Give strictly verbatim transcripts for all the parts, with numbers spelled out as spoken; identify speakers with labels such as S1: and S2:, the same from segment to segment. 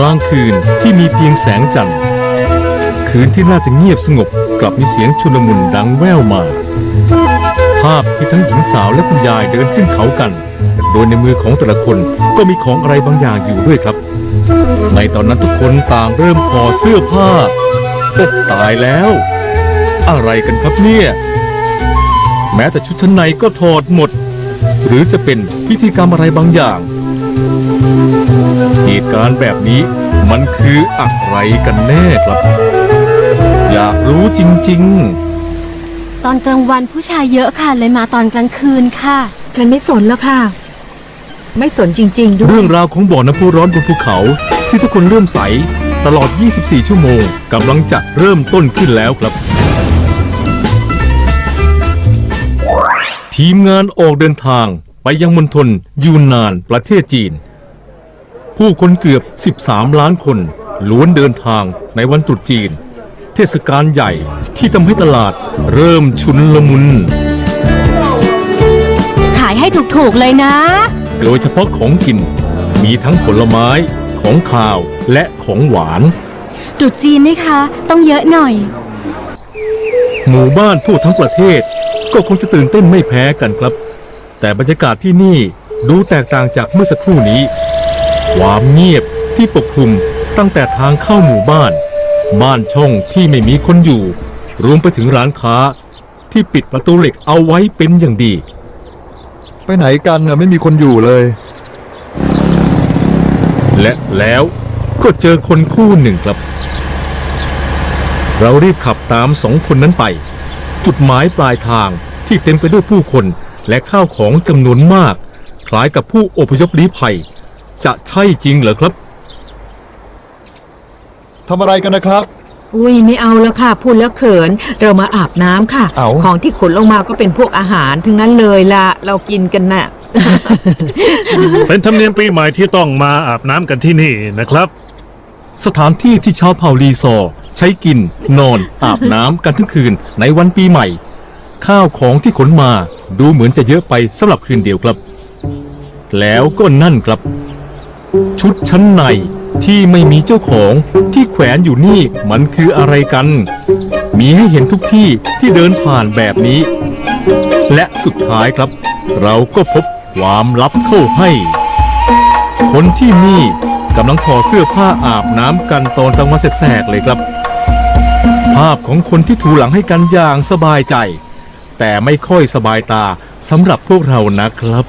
S1: ลางคืนที่มีเพียงแสงจันทร์คืนที่น่าจะเงียบสงบกลับมีเสียงชุลมุนดังแว่วมาภาพที่ทั้งหญิงสาวและคุณยายเดินขึ้นเขากันโดยในมือของแต่ละคนก็มีของอะไรบางอย่างอยู่ด้วยครับในตอนนั้นทุกคนต่างเริ่มถอดเสื้อผ้าโอ๊ะตายแล้วอะไรกันครับเนี่ยแม้แต่ชุดชั้นในก็ถอดหมดหรือจะเป็นพิธีกรรมอะไรบางอย่างเหตุการณ์แบบนี้มันคืออะไรกันแน่ครับอยากรู้จริง
S2: ๆตอนกลางวันผู้ชายเยอะค่ะเลยมาตอนกลางคืนค่ะ
S3: ฉันไม่สนแล้วค่ะไม่สนจริงๆด้วย
S1: เรื่องราวของบ่อน้ำพุร้อนบนภูเขาที่ทุกคนเริ่มใสตลอดยี่สิบสี่ชั่วโมงกำลังจะเริ่มต้นขึ้นแล้วครับทีมงานออกเดินทางไปยังมณฑลยูนนานประเทศจีนผู้คนเกือบสิบสามล้านคนล้วนเดินทางในวันตรุษจีนเทศกาลใหญ่ที่ทำให้ตลาดเริ่มชุนลมุน
S2: ขายให้ถูกๆเลยนะ
S1: โดยเฉพาะของกินมีทั้งผลไม้ของคาวและของหวาน
S2: ตรุษจีนนี่คะต้องเยอะหน่อย
S1: หมู่บ้านทั่วทั้งประเทศก็คงจะตื่นเต้นไม่แพ้กันครับแต่บรรยากาศที่นี่ดูแตกต่างจากเมื่อสักครู่นี้ความเงียบที่ปกคลุมตั้งแต่ทางเข้าหมู่บ้านบ้านช่องที่ไม่มีคนอยู่รวมไปถึงร้านค้าที่ปิดประตูเหล็กเอาไว้เป็นอย่างดี
S4: ไปไหนกันน่ะไม่มีคนอยู่เลย
S1: และแล้วก็เจอคนคู่หนึ่งครับเรารีบขับตามสองคนนั้นไปจุดหมายปลายทางที่เต็มไปด้วยผู้คนและข้าวของจำนวนมากคล้ายกับผู้อพยพลี้ภัยจะใช่จริงเหรอครับ
S4: ทำอะไรกันนะครับ
S3: อุ้ยไม่เอาแล้วค่ะพูดแล้วเขินเรามาอาบน้ำค่ะของที่ขนลงมาก็เป็นพวกอาหารทั้งนั้นเลยล่ะเรากินกันน่ะ
S5: เป็นธรรมเนียมปีใหม่ที่ต้องมาอาบน้ำกันที่นี่นะครับ
S1: สถานที่ที่ชาวเผ่าลีซอร์ใช้กินนอนอาบน้ำกันทั้งคืนในวันปีใหม่ข้าวของที่ขนมาดูเหมือนจะเยอะไปสำหรับคืนเดียวครับแล้วก็นั่นครับชุดชั้นในที่ไม่มีเจ้าของที่แขวนอยู่นี่มันคืออะไรกันมีให้เห็นทุกที่ที่เดินผ่านแบบนี้และสุดท้ายครับเราก็พบความลับเข้าให้คนที่นี่กำลังถอดเสื้อผ้าอาบน้ำกันตอนกลางวันแสกๆเลยครับภาพของคนที่ถูหลังให้กันอย่างสบายใจแต่ไม่ค่อยสบายตาสำหรับพวกเรานะครับ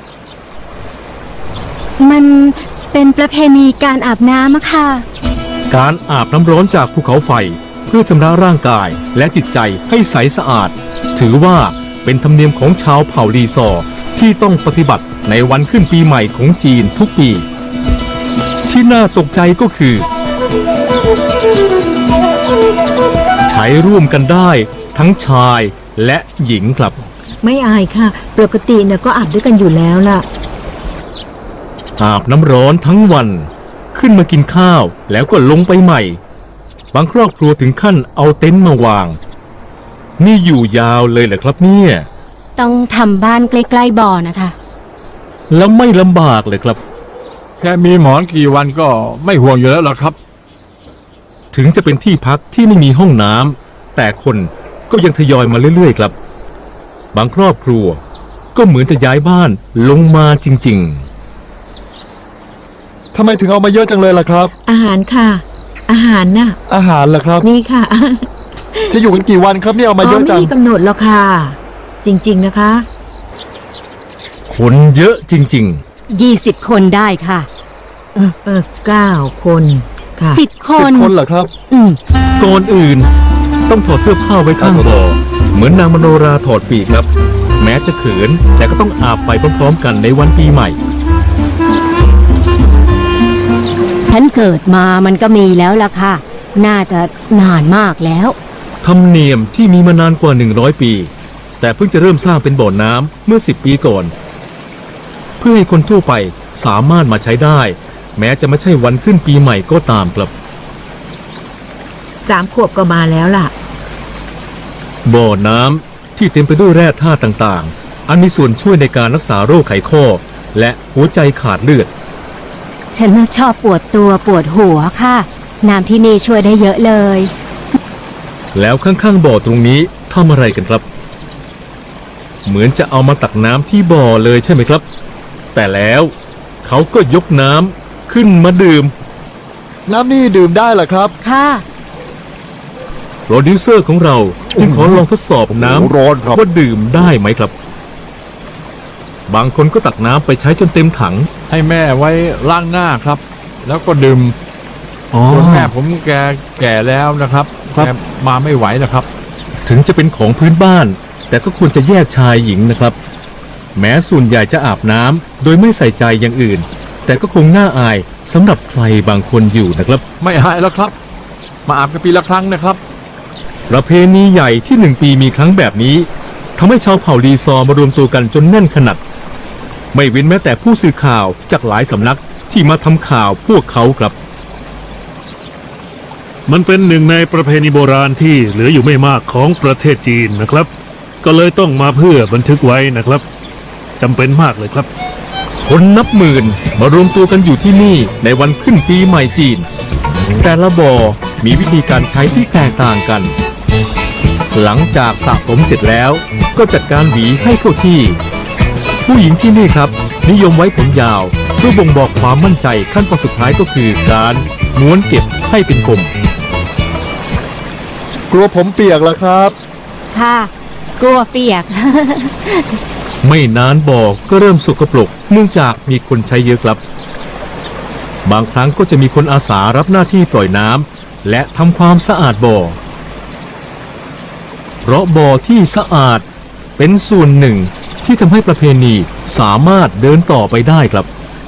S2: มันเป็นประเพณีการอาบน้ำอะค่ะ
S1: การอาบน้ำร้อนจากภูเขาไฟเพื่อชำระร่างกายและจิตใจให้ใสสะอาดถือว่าเป็นธรรมเนียมของชาวเผ่าลีซอร์ที่ต้องปฏิบัติในวันขึ้นปีใหม่ของจีนทุกปีที่น่าตกใจก็คือใช้ร่วมกันได้ทั้งชายและหญิงครับ
S3: ไม่อายค่ะปกติเนี่ยก็อาบด้วยกันอยู่แล้วล่ะ
S1: อาบน้ำร้อนทั้งวันขึ้นมากินข้าวแล้วก็ลงไปใหม่บางครอบครัวถึงขั้นเอาเต็นท์มาวางนี่อยู่ยาวเลยเหรอครับเนี่ย
S2: ต้องทำบ้านใกล้ๆบ่อนะคะ
S1: แล้วไม่ลำบากเลยครับ
S5: แค่มีหมอนกี่วันก็ไม่ห่วงอยู่แล้วหรอครับ
S1: ถึงจะเป็นที่พักที่ไม่มีห้องน้ำแต่คนก็ยังทยอยมาเรื่อยๆครับบางครอบครัวก็เหมือนจะย้ายบ้านลงมาจริง
S4: ๆทำไมถึงเอามาเยอะจังเลยล่ะครับ
S3: อาหารค่ะอาหารน่ะ
S4: อาหารเหรอครับ
S3: นี่ค่ะ
S4: จะอยู่กันกี่วันครับเนี่ยเอามาเยอะจัง
S3: ไม่มีกำหนดหรอกค่ะจริงๆนะคะ
S1: คนเยอะจริง
S2: ๆยี่สิบคนได้ค่ะ
S3: เออเออเก้าคนค่ะ
S2: สิบคน
S4: สิบคนเหรอครับ
S1: อืมก่อนอื่นต้องถอดเสื้อผ้าไว้ข้างบ่อเหมือนนางมโนราถอดปีกครับแม้จะเขินแต่ก็ต้องอาบไปพร้อมๆกันในวันปีใหม่
S2: ฉันเกิดมามันก็มีแล้วล่ะค่ะน่าจะนานมากแล้ว
S1: ธรรมเนียมที่มีมานานกว่าหนึ่งร้อยปีแต่เพิ่งจะเริ่มสร้างเป็นบ่อน้ำเมื่อสิบปีก่อนเพื่อให้คนทั่วไปสามารถมาใช้ได้แม้จะไม่ใช่วันขึ้นปีใหม่ก็ตามครับ
S3: สามขวบก็มาแล้วล่ะ
S1: บ่อน้ำที่เต็มไปด้วยแร่ธาตุต่างๆอันมีส่วนช่วยในการรักษาโรคไขข้อและหัวใจขาดเลือด
S2: ฉันน่ะชอบปวดตัวปวดหัวค่ะ น้ำที่นี่ช่วยได้เยอะเลย
S1: แล้วข้างๆบ่อตรงนี้ทำอะไรกันครับ เหมือนจะเอามาตักน้ำที่บ่อเลยใช่ไหมครับ แต่แล้วเขาก็ยกน้ำขึ้นมาดื่ม
S4: น้ำนี่ดื่มได้เหรอครับ
S2: ค่ะ
S1: โปรดิวเซอร์ของเราจึงขอลองทดสอบน้
S4: โอ้โหร้อนครับ
S1: ำว่าดื่มได้ไหมครับ บางคนก็ตักน้ำไปใช้จนเต็มถัง
S6: ให้แม่ไว้ล้างหน้าครับ แล้วก็ดื่ม
S1: อ๋อ
S6: ส่วนแม่ผมแกแก่แล้วนะครับ
S1: ครับ
S6: แกมาไม่ไหวนะครับ
S1: ถึงจะเป็นของพื้นบ้าน แต่ก็ควรจะแยกชายหญิงนะครับ แม้ส่วนใหญ่จะอาบน้ำโดยไม่ใส่ใจอย่างอื่น แต่ก็คงน่าอายสำหรับใครบางคนอยู่นะครับ
S6: ไม่หายแล้วครับ มาอาบกันปีละครั้งนะครับ
S1: ประเพณีใหญ่ที่หนึ่งปีมีครั้งแบบนี้ทำให้ชาวเผ่าลีซอร์มารวมตัวกันจนแน่นขนาดไม่เว้นแม้แต่ผู้สื่อข่าวจากหลายสำนักที่มาทำข่าวพวกเขาครับ
S5: มันเป็นหนึ่งในประเพณีโบราณที่เหลืออยู่ไม่มากของประเทศจีนนะครับ ก็เลยต้องมาเพื่อบันทึกไว้นะครับจำเป็นมากเลยครับ
S1: คนนับหมื่นมารวมตัวกันอยู่ที่นี่ในวันขึ้นปีใหม่จีน แต่ละบ่อมีวิธีการใช้ที่แตกต่างกัน หลังจากสระผมเสร็จแล้วก็จัดการหวีให้เข้าที่ ผู้หญิงที่นี่ครับ นิยมไว้ผมยาวเพื่อบ่งบอกความมั่นใจขั้นตอนสุดท้ายก็คือการม้วนเก็บให้เป็นกลม
S4: กลัวผมเปียกแล้วครับ
S2: ค่ะ กลัวเปียก
S1: ไม่นานบ่อก็เริ่มสกปรกเนื่องจากมีคนใช้เยอะครับ บางครั้งก็จะมีคนอาสารับหน้าที่ปล่อยน้ำและทำความสะอาดบ่อ เพราะบ่อที่สะอาดเป็นส่วนหนึ่งที่ทำให้ประเพณีสามารถเดินต่อไปได้ครับ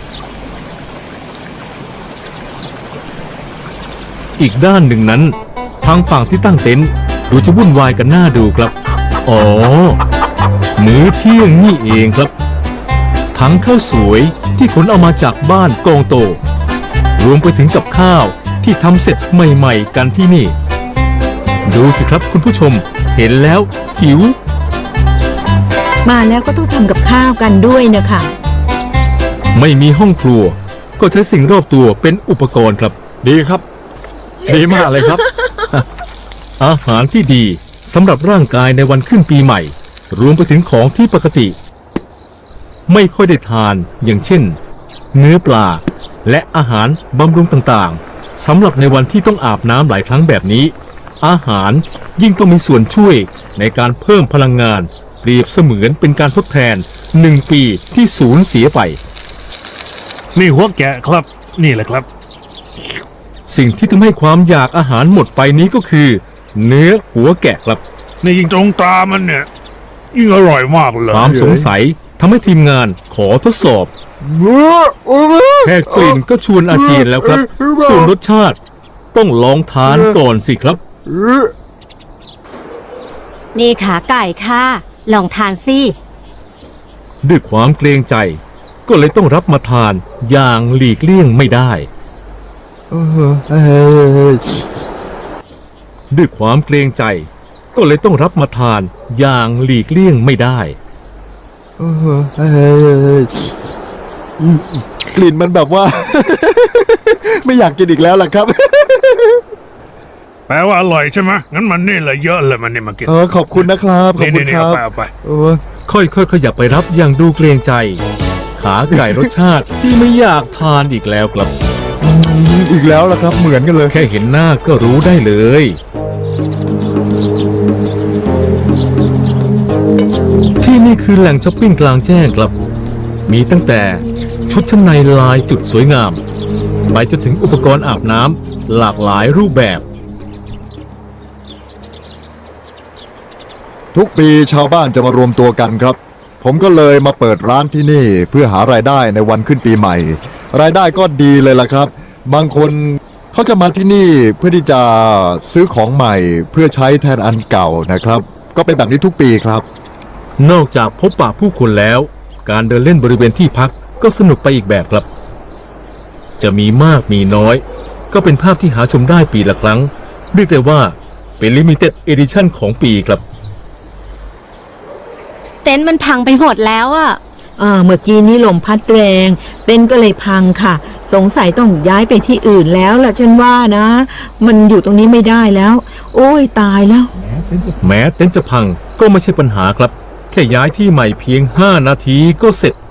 S1: อีกด้านหนึ่งนั้น ทางฝั่งที่ตั้งเต็นท์ดูจะวุ่นวายกันหน้าดูครับ อ๋อ มื้อเที่ยงนี่เองครับ ทั้งข้าวสวยที่ขนเอามาจากบ้านกองโต รวมไปถึงกับข้าวที่ทำเสร็จใหม่ๆกันที่นี่ ดูสิครับคุณผู้ชมเห็นแล้วหิว
S3: มาแล้วก็ต้องทำกับข้าวกันด้วยนะคะ
S1: ไม่มีห้องครัว ก็ใช้สิ่งรอบตัวเป็นอุปกรณ์ครับ
S6: ดีครับ ดีมากเลยครับ
S1: อาหารที่ดีสำหรับร่างกายในวันขึ้นปีใหม่ รวมไปถึงของที่ปกติ ไม่ค่อยได้ทานอย่างเช่น เนื้อปลา และอาหารบำรุงต่างๆสำหรับในวันที่ต้องอาบน้ำหลายครั้งแบบนี้ อาหารยิ่งต้องมีส่วนช่วยในการเพิ่มพลังงาน เปรียบเสมือนเป็นการทดแทนหนึ่งปีที่สูญเสียไป
S5: นี่หัวแกะครับ นี่แหละครับ
S1: สิ่งที่ทำให้ความอยากอาหารหมดไปนี้ก็คือ เนื้อหัวแกะครับ
S5: นี่ยิ่งตรงตามันเนี่ยยิ่งอร่อยมากเลย
S1: ความสงสัยทำให้ทีมงานขอทดสอบ แค่กลิ่นก็ชวนอาเจียนแล้วครับ ส่วนรสชาติต้องลองทานก่อนสิครับ
S2: นี่ขาไก่ค่ะ ลองทานสิ
S1: ด้วยความเกรงใจ ก็เลยต้องรับมาทานอย่างหลีกเลี่ยงไม่ได้ ด้วยความเกรงใจ ก็เลยต้องรับมาทานอย่างหลีกเลี่ยงไม่ได้
S4: กลิ่นมันแบบว่า ไม่อยากกินอีกแล้วล่ะครับ
S5: แปลว่าอร่อยใช่ไหมงั้นมันนี่แหละเยอะเลยมันนี่มากิน
S4: เออขอบคุณนะครับ ขอบ
S5: นี่
S4: คุณ
S5: นี่
S4: ค
S5: เอา
S4: รับ
S5: ไปเอาไป
S4: เออ
S1: ค่อยๆขยับไปรับอย่างดูเกรงใจ ขาไก่รสชาติที่ไม่อยากทานอีกแล้วครับ
S4: อีกแล้วล่ะครับ เหมือนกันเลย
S1: แค่เห็นหน้าก็รู้ได้เลย ที่นี่คือแหล่งช้อปปิ้งกลางแจ้งครับ มีตั้งแต่ชุดชั้นในลายจุดสวยงาม ไปจนถึงอุปกรณ์อาบน้ำหลากหลายรูปแบบ
S4: ทุกปีชาวบ้านจะมารวมตัวกันครับ ผมก็เลยมาเปิดร้านที่นี่เพื่อหารายได้ในวันขึ้นปีใหม่ รายได้ก็ดีเลยล่ะครับ บางคนเขาจะมาที่นี่เพื่อที่จะซื้อของใหม่เพื่อใช้แทนอันเก่านะครับ ก็เป็นแบบนี้ทุกปีครับ
S1: นอกจากพบปะผู้คนแล้ว การเดินเล่นบริเวณที่พักก็สนุกไปอีกแบบครับ จะมีมากมีน้อย ก็เป็นภาพที่หาชมได้ปีละครั้ง เรียกได้ว่าเป็น Limited Edition ของปีครับ
S2: เต็นท์มันพังไปหมดแล้วอะ
S3: อ่าเมื่อกี้นี้ลมพัดแรง เต็นท์ก็เลยพังค่ะ สสงสัยต้องย้ายไปที่อื่นแล้วล่ะฉันว่านะ มันอยู่ตรงนี้ไม่ได้แล้ว โอ้ยตายแล้ว
S1: แม้เต็นท์จะพังก็ไม่ใช่ปัญหาครับ แค่ย้ายที่ใหม่เพียงห้านาทีก็เสร็จ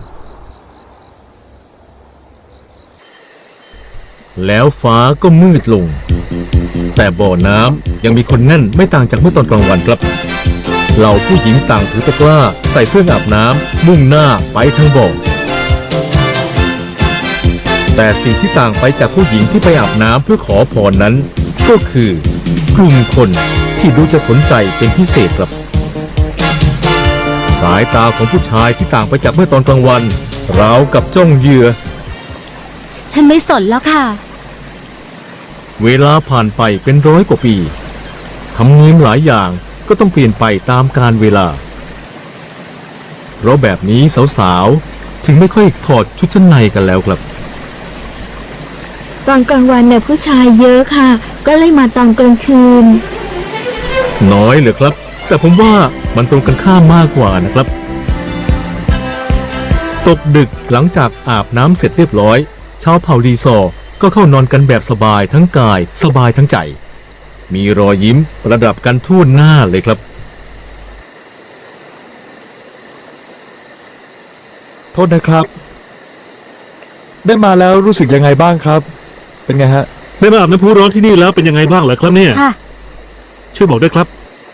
S1: แล้วฟ้าก็มืดลง แต่บ่อน้ำยังมีคนแน่นไม่ต่างจากเมื่อตอนกลางวันครับเหล่าผู้หญิงต่างถือตะกร้าใส่เครื่องอาบน้ำมุ่งหน้าไปทางบ่อแต่สิ่งที่ต่างไปจากผู้หญิงที่ไปอาบน้ำเพื่อขอพรนั้น ก็คือกลุ่มคนที่ดูจะสนใจเป็นพิเศษครับ สายตาของผู้ชายที่ต่างไปจากเมื่อตอนกลางวันราวกับจ้องเหยื่อ
S2: ฉันไม่สนแล้วค่ะ
S1: เวลาผ่านไปเป็นร้อยกว่าปีธรรมเนียมหลายอย่างก็ต้องเปลี่ยนไปตามกาลเวลา เพราะแบบนี้สาวๆ ถึงไม่ค่อยถอดชุดชั้นในกันแล้วครับ
S3: ตอนกลางวันเนี่ยผู้ชายเยอะค่ะ ก็เลยมาตอนกลางคืน
S1: น้อยเหรอครับ แต่ผมว่ามันตรงกันข้ามมากกว่านะครับ ตกดึกหลังจากอาบน้ำเสร็จเรียบร้อยชาวเผ่าลีซอร์ก็เข้านอนกันแบบสบายทั้งกายสบายทั้งใจ มีรอยยิ้มประดับกันทั่วหน้าเลยครับ
S4: โทษนะครับ ได้มาแล้วรู้สึกยังไงบ้างครับ เป็นไงฮะ
S5: ได้มาอาบน้ำพุร้อนที่นี่แล้วเป็นยังไงบ้างเหรอครับเนี่ย
S2: ค่ะ
S5: ช่วยบอกด้วยครับ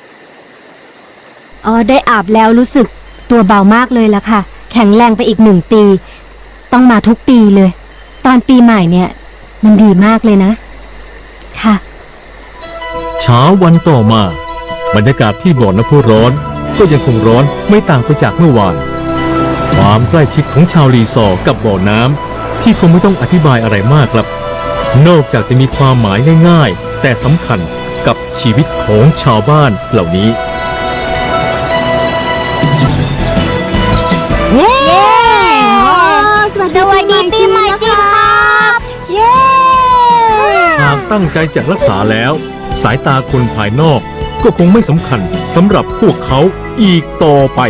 S2: อ๋อได้อาบแล้วรู้สึกตัวเบามากเลยละค่ะ แข็งแรงไปอีกหนึ่งปี ต้องมาทุกปีเลย ตอนปีใหม่เนี่ย มันดีมากเลยนะ ค่ะ
S1: เช้าวันต่อมาบรรยากาศที่บ่อน้ำพุร้อนก็ยังคงร้อนไม่ต่างไปจากเมื่อวาน ความใกล้ชิดของชาวลีซอร์กับบ่อน้ำที่คงไม่ต้องอธิบายอะไรมากครับ นอกจากจะมีความหมายง่ายๆแต่สำคัญกับชีวิตของชาวบ้านเหล่านี้
S2: เย้สวัสดีปีใหม่จริงครับเย้
S1: หากตั้งใจจะรักษาแล้ว สายตาคนภายนอกก็คงไม่สำคัญสำหรับพวกเขาอีกต่อไป